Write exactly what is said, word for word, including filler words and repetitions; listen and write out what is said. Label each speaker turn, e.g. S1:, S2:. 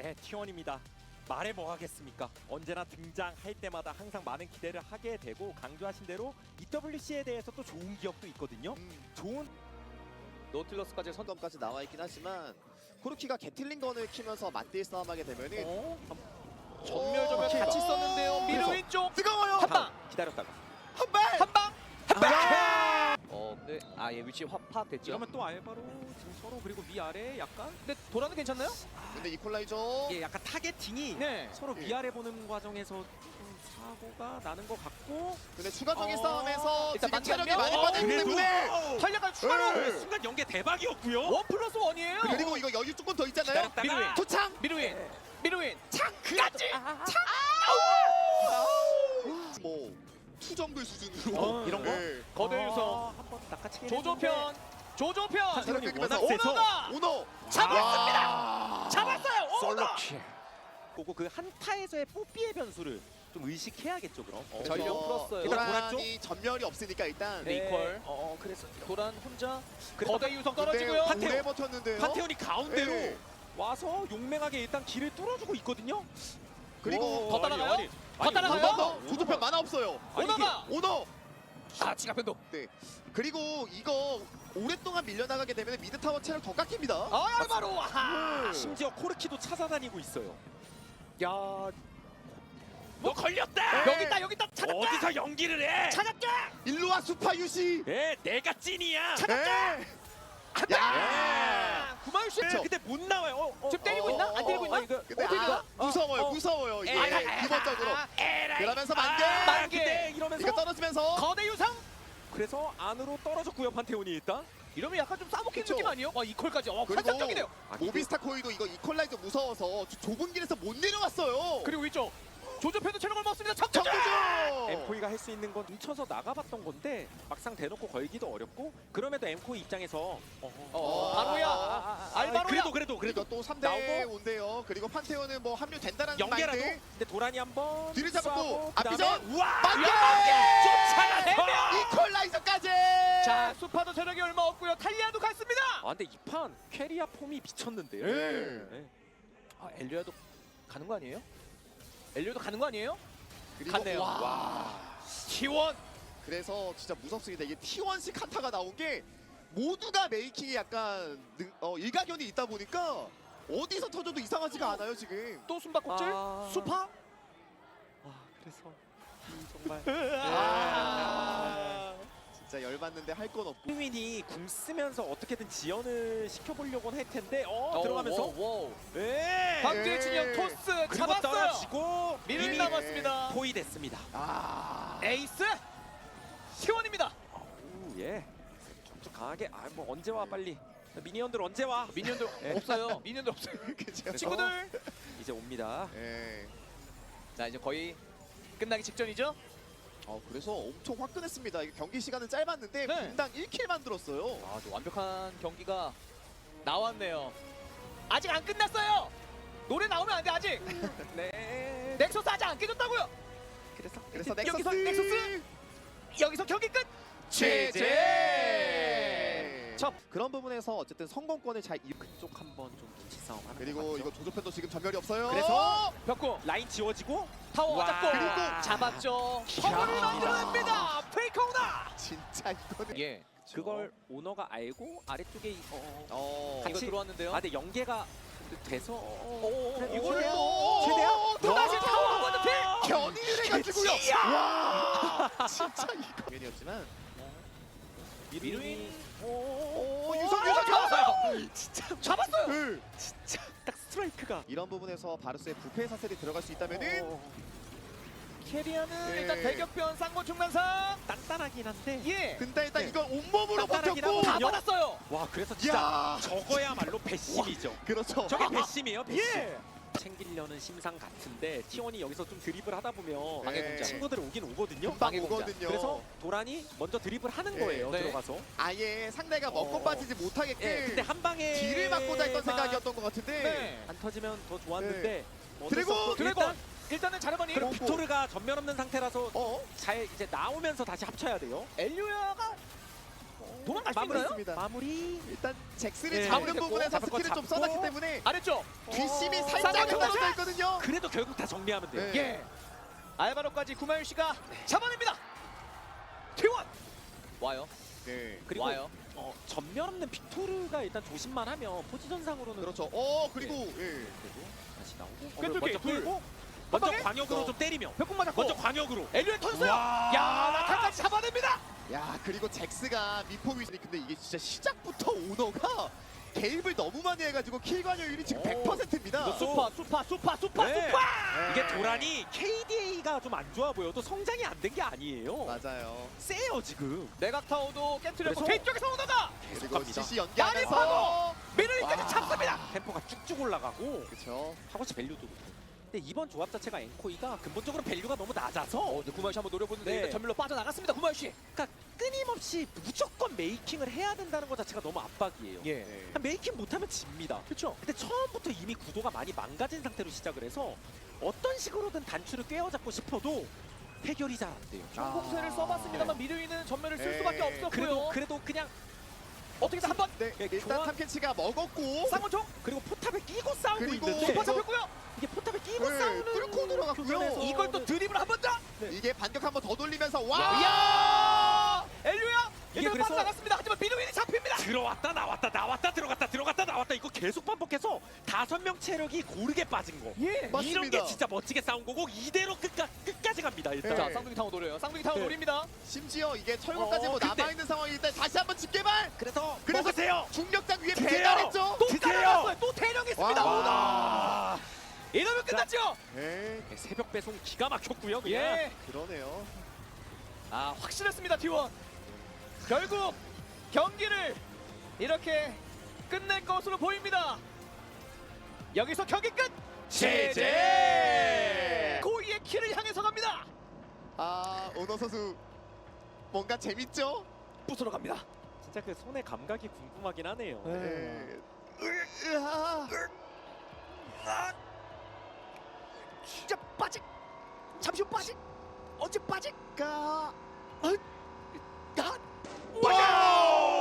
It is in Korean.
S1: 네, 티원입니다. 말해 뭐 하겠습니까? 언제나 등장할 때마다 항상 많은 기대를 하게 되고 강조하신 대로 이더블유씨에 대해서 또 좋은 기억도 있거든요.
S2: 음.
S1: 좋은
S2: 노틸러스까지 선점까지 나와 있긴 하지만 코르키가 게틀링건을 키면서 맞대일 싸움하게 되면은
S1: 어?
S2: 전멸
S3: 전멸
S2: 오케이.
S3: 같이 썼는데요. 미드
S1: 그래서
S3: 왼쪽
S2: 뜨거워요.
S3: 한방
S1: 기다렸다가
S2: 한 발.
S3: 한방
S2: 한
S3: 어 근데 아예 위치 확 파악됐죠.
S1: 이러면 또 알바로 지금 서로 그리고 위아래 약간
S3: 근데 도라는 괜찮나요?
S2: 근데 이퀄라이저.
S1: 이게 약간 타겟팅이
S3: 네.
S1: 서로
S2: 예.
S1: 위아래 보는 과정에서 좀 사고가 나는 것 같고
S2: 근데 추가적인
S1: 어.
S2: 싸움에서
S3: 일단
S2: 지금 체력이
S3: 만개하면-
S2: 많이
S3: 어,
S2: 빠졌기
S1: 그래도-
S2: 때문에
S3: 탄력을 추가로
S2: 네.
S1: 순간 연계 대박이었고요.
S3: 원 플러스 원이에요.
S2: 그리고 이거 여유 조금 더 있잖아요.
S1: 기다렸다가
S3: 미드웨이.
S2: 도창.
S3: 미드윈
S1: 네.
S3: 미드윈
S2: 창까지. 뭐 투정글 수준으로
S1: 어, 이런 거?
S2: 네.
S3: 거대 유성
S1: 한번 낚아치긴
S3: 조조편 조조편
S2: 체력
S1: 태훈이
S2: 뺏기면서
S1: 워낙 세서
S3: 오너가
S2: 오너
S3: 잡았습니다. 잡았어요.
S1: 솔로
S3: 오너.
S1: 킬. 그리고 그 한타에서의 뽀삐의 변수를 좀 의식해야겠죠 그럼.
S2: 그래서
S3: 전력 풀었어요.
S1: 일단
S2: 도란이 전멸이 없으니까 일단
S3: 네. 이퀄.
S1: 어, 어 그래서
S3: 도란 혼자
S1: 그래서
S3: 거대 유성
S2: 근데
S3: 떨어지고요.
S1: 판테온.
S2: 오래 버텼는데요.
S1: 판테온이 가운데로
S2: 네.
S1: 와서 용맹하게 일단 길을 뚫어주고 있거든요.
S2: 그리고
S3: 더 따라가요?
S1: 아니,
S3: 더
S1: 아니,
S3: 따라가요?
S2: 한번
S1: 오너가-
S2: 더 조조편 만화 없어요.
S1: 아니,
S3: 오너가
S2: 오너.
S3: 아 지갑 변동.
S2: 네. 그리고 이거 오랫동안 밀려나가게 되면 미드 타워 체력 더 깎입니다.
S3: 아 바로 와.
S1: 심지어 코르키도 찾아다니고 있어요. 야,
S3: 너
S1: 너 걸렸다.
S2: 네.
S3: 여기 있다 여기 있다 찾았다.
S1: 어디서 연기를 해?
S3: 찾았다.
S2: 일로 와 수파 유시.
S1: 예, 내가 찐이야.
S2: 네. 야.
S3: 아, 구마유 씨.
S1: 예, 근데 못 나와요. 어, 어,
S3: 지금 때리고
S2: 어,
S3: 있나?
S2: 어,
S3: 안 때리고
S1: 어,
S3: 있나?
S1: 이거
S2: 근데
S3: 어떻게
S2: 아,
S3: 가?
S2: 무서워요,
S1: 어, 어.
S2: 무서워요. 이게
S3: 에이,
S2: 기본적으로.
S3: 아, 에라이.
S2: 그러면서 만개.
S1: 아,
S3: 만개.
S1: 근데 이러면서
S2: 이거 떨어지면서
S3: 거대 유성.
S1: 그래서 안으로 떨어졌고요 판테온이 일단.
S3: 이러면 약간 좀 싸먹히는
S2: 그쵸.
S3: 느낌 아니에요? 와 이퀄까지. 어
S2: 그리고
S3: 환상적이네요.
S1: 아, 이게-
S2: 모비스타 코이도 이거 이퀄라이저 무서워서 저 좁은 길에서 못 내려왔어요.
S3: 그리고 위쪽 조조편도 체력을 먹습니다. 적정.
S2: 정규죠.
S1: 엠코이가 할 수 있는 건 뭉쳐서 나가봤던 건데 막상 대놓고 걸기도 어렵고 그럼에도 엠코이 입장에서 어, 어,
S3: 어,
S2: 아,
S3: 바로야.
S1: 아, 아, 아,
S3: 알바로야.
S1: 그래도 그래도 그래도
S2: 그리고 또 삼 대
S1: 나오고.
S2: 온대요. 그리고 판테온은 뭐 합류된다는
S1: 연계라도.
S2: 마인드.
S1: 근데 도란이 한번
S2: 뒤를 잡았고
S1: 쏴고
S2: 앞비전
S1: 그다음에 우와
S2: 만개.
S1: 쫓아가서.
S2: 이퀄라이저까지.
S3: 자 수파도 체력이 얼마 없고요. 탈리아도 갔습니다.
S1: 아 근데 이 판 캐리아 폼이 미쳤는데요.
S2: 네.
S1: 네.
S3: 아 엘리아도 가는 거 아니에요? 엘리아도 가는 거 아니에요?
S2: 그리고
S3: 갔네요.
S2: 와.
S1: 와.
S3: 티원.
S2: 그래서 진짜 무섭습니다. 이게 티원식 칸타가 나온 게 모두가 메이킹이 약간 능, 어, 일가견이 있다 보니까 어디서 터져도 이상하지가 않아요 지금.
S3: 또 숨바꼭질?
S1: 아.
S3: 수파?
S1: 아 그래서 이 정말
S2: 아. 진짜 열받는데 할 건 없고.
S1: 윈이 궁 쓰면서 어떻게든 지연을 시켜보려고는 할 텐데 어, 들어가면서
S3: 오, 오.
S1: 네.
S3: 박주혜
S2: 예.
S3: 진영 토스
S1: 그리고
S3: 잡았어요.
S1: 떨어지고
S3: 미를
S1: 이미
S3: 남았습니다.
S1: 포위됐습니다.
S2: 아.
S3: 에이스 티원입니다.
S1: 오, 예. 좀 강하게 아 뭐 언제 와 빨리 미니언들 언제 와
S3: 미니언들
S1: 예.
S3: 없어요. 미니언들 없어요.
S2: 그죠?
S3: 친구들.
S1: 이제 옵니다.
S2: 예.
S3: 자 이제 거의 끝나기 직전이죠.
S2: 어 그래서 엄청 화끈했습니다. 이게 경기 시간은 짧았는데
S3: 네.
S2: 분당 일 킬 만들었어요.
S3: 아, 또 완벽한 경기가 나왔네요. 아직 안 끝났어요. 노래 나오면 안 돼 아직.
S1: 네.
S3: 넥서스 아직 안 깨졌다고요.
S1: 그래서
S2: 그래서
S3: 여기서
S2: 넥서스.
S3: 넥서스 여기서 경기 끝.
S2: 제제.
S1: 첫
S2: 그런 부분에서 어쨌든 성공권을 잘 이.
S1: 그쪽 한번 좀 눈치 싸움 하는
S2: 그리고
S1: 것
S2: 이거
S1: 같죠?
S2: 조조편도 지금 전멸이 없어요.
S1: 그래서
S3: 벽구
S1: 라인 지워지고
S3: 타워
S1: 와.
S3: 잡고
S2: 그리고
S3: 잡았죠. 허물을 만들어냅니다. 페이커우나.
S2: 진짜 이거는.
S3: 예.
S1: 그걸 오너가 알고 아래쪽에 이- 어,
S2: 어.
S3: 이거
S1: 같이-
S3: 들어왔는데요.
S1: 아 근데 연계가 돼서 어,
S3: 오,
S1: 그래도
S3: 이거를
S1: 최대한-
S3: 또
S1: 최대한
S3: 또 다시 타워 건너필.
S2: 견인을 해가지고요. 와. 진짜 이거. 면이었지만.
S3: 미루인.
S2: 오
S3: 오,
S2: 유성
S3: 아,
S2: 유성
S3: 잡았어요.
S1: 진짜
S3: 잡았어요.
S2: 네.
S1: 진짜 딱 스트라이크가
S2: 이런 부분에서 바루스의 부패 사슬이 들어갈 수 있다면은
S1: 어,
S3: 캐리아는
S2: 예.
S3: 일단 대격변 쌍권 중간상.
S1: 단단하긴 한데
S3: 예.
S2: 근데 일단
S1: 네.
S2: 이걸 온몸으로
S1: 단단하긴
S2: 버텼고.
S3: 다
S1: 하거든요.
S3: 받았어요.
S1: 와 그래서 진짜
S2: 야.
S1: 저거야말로 배심이죠.
S2: 그렇죠.
S1: 저게 배심이에요 배심.
S3: 예.
S1: 챙기려는 심상 같은데 티원이 여기서 좀 드리블 하다 보면
S2: 방해 공작.
S1: 친구들 오긴 오거든요.
S2: 금방
S3: 방해 공작.
S2: 오거든요.
S1: 그래서 도란이 먼저 드리블 하는
S2: 예.
S1: 거예요.
S3: 네.
S1: 들어가서.
S2: 아예 상대가 먹고
S1: 어.
S2: 빠지지 못하게끔
S1: 예, 근데 한 방에
S2: 뒤를 맞고자 했던 생각이었던 것 같은데.
S3: 네.
S1: 안 터지면 더 좋았는데 뭐 어쩔 수
S2: 드래곤!
S1: 없고
S3: 드래곤.
S1: 일단
S3: 일단은 자르거니.
S1: 그럼
S2: 오.
S1: 빅토르가 전면 없는 상태라서
S2: 어?
S1: 잘 이제 나오면서 다시 합쳐야 돼요.
S3: 엘리오야가 도망갈 수
S1: 마무리.
S3: 있나요?
S2: 있습니다.
S1: 마무리.
S2: 일단 잭슨이
S1: 네.
S2: 잡는
S3: 됐고,
S2: 부분에서
S1: 잡을 거
S2: 스킬을 좀
S1: 잡고.
S2: 써놨기 때문에
S3: 아래쪽.
S2: 뒷심이
S1: 어,
S2: 살짝
S3: 쌍둥이
S2: 떨어져 있거든요.
S1: 그래도 결국 다 정리하면 돼요.
S2: 네.
S3: 예. 알바로까지 구마윤 씨가 잡아냅니다. 티원 와요.
S2: 네.
S1: 그리고
S3: 와요.
S1: 어, 전면 없는 빅토르가 일단 조심만 하면 포지션상으로는
S2: 그렇죠. 어 그리고 예.
S1: 그리고 다시 나오고 어,
S3: 꿰뚫기,
S1: 먼저
S3: 둘.
S1: 끌고 먼저
S3: 방에?
S1: 광역으로
S2: 어.
S1: 좀 때리며
S3: 벽공 맞았고.
S1: 먼저 광역으로
S3: 엘리언 터졌어요.
S1: 와.
S3: 야 나타까지 잡아냅니다.
S2: 야 그리고 잭스가 미포 위즈니 근데 이게 진짜 시작부터 오너가 개입을 너무 많이 해가지고 킬 관여율이 지금
S1: 오.
S2: 백 퍼센트입니다.
S1: 이거
S3: 수파 수파 수파 수파
S1: 네.
S3: 수파.
S1: 이게 도란이 케이디에이가 좀 안 좋아 보여도 성장이 안 된 게 아니에요.
S2: 맞아요.
S1: 세요 지금.
S3: 내각 타워도 깨트렸고
S1: 그래서-
S3: 케이 쪽에서 오너가
S2: 그리고
S1: 갑니다.
S2: 씨씨
S3: 많이
S2: 연기하면서
S3: 미르리까지
S2: 와.
S3: 잡습니다.
S1: 템포가 쭉쭉 올라가고
S2: 그렇죠.
S1: 하고치 밸류도 높고. 근데 이번 조합 자체가 엔코이가 근본적으로 밸류가 너무 낮아서
S3: 어, 네, 구마윤 씨 한번 노려보는데
S1: 네.
S3: 일단 전멸로 빠져나갔습니다. 구마윤 씨.
S1: 그러니까 끊임없이 무조건 메이킹을 해야 된다는 것 자체가 너무 압박이에요.
S3: 예.
S2: 네.
S1: 메이킹 못하면 집니다.
S3: 그렇죠.
S1: 근데 처음부터 이미 구도가 많이 망가진 상태로 시작을 해서 어떤 식으로든 단추를 꿰어잡고 싶어도 해결이 잘 안 돼요.
S3: 중공세를
S2: 아.
S3: 써봤습니다만 미르위는 전멸을 쓸
S2: 네.
S3: 수밖에 없었고요.
S1: 그래도 그래도 그냥
S3: 어떻게든 한번
S2: 네,
S1: 예,
S2: 일단
S1: 교환-
S2: 탐켄치가 먹었고
S3: 쌍권총
S1: 그리고 포탑에 끼고 싸우고
S2: 그리고
S1: 있는데
S3: 수파 잡혔고요.
S1: 이게 포탑에 끼고
S2: 네,
S1: 싸우는
S2: 뚫고 들어갔고요.
S1: 교전에서
S3: 이걸 또 드립을 한 번 더.
S2: 이게 반격 한번 더 돌리면서 와!
S3: 이야! 엘류야!
S1: 이게
S3: 이게
S1: 그래서-
S3: 빠져나갔습니다. 하지만 미르위는 잡힙니다.
S1: 들어왔다 나왔다 나왔다 들어갔다 들어갔다 나왔다 이거 계속 반복해서 다섯 명 체력이 고르게 빠진 거.
S3: 예.
S2: 맞습니다.
S1: 이런 게 진짜 멋지게 싸운 거고 이대로 끝까, 끝까지 갑니다 일단.
S2: 네.
S3: 자, 쌍둥이 타워 노려요. 쌍둥이 타워
S1: 네.
S3: 노립니다.
S2: 심지어 이게 철거까지
S1: 어,
S2: 뭐
S1: 근데-
S2: 남아있는 상황이기 때문에 다시 한번 집게발!
S1: 그래서
S2: 그래서
S1: 먹으세요.
S2: 중력장 위에
S1: 드세요.
S2: 배달했죠?
S3: 또
S1: 드세요.
S3: 깔아놨어요. 또 대령했습니다.
S2: 와.
S3: 오너. 이러면
S1: 자.
S3: 끝났죠.
S2: 네,
S1: 새벽 배송 기가 막혔고요. 그냥.
S3: 예.
S2: 그러네요.
S3: 아, 확실했습니다. 티원. 결국 경기를 이렇게 끝낼 것으로 보입니다. 여기서 경기 끝.
S2: 제제!
S3: 고이의 키를 향해서 갑니다.
S2: 아, 오너 선수 뭔가 재밌죠?
S3: 부수러 갑니다.
S1: 진짜 그 손의 감각이 궁금하긴 하네요.
S2: 네. 으, 으아.
S3: 진짜 빠직. 잠시 후 빠직. 언제 빠직?
S2: 가.
S3: 어?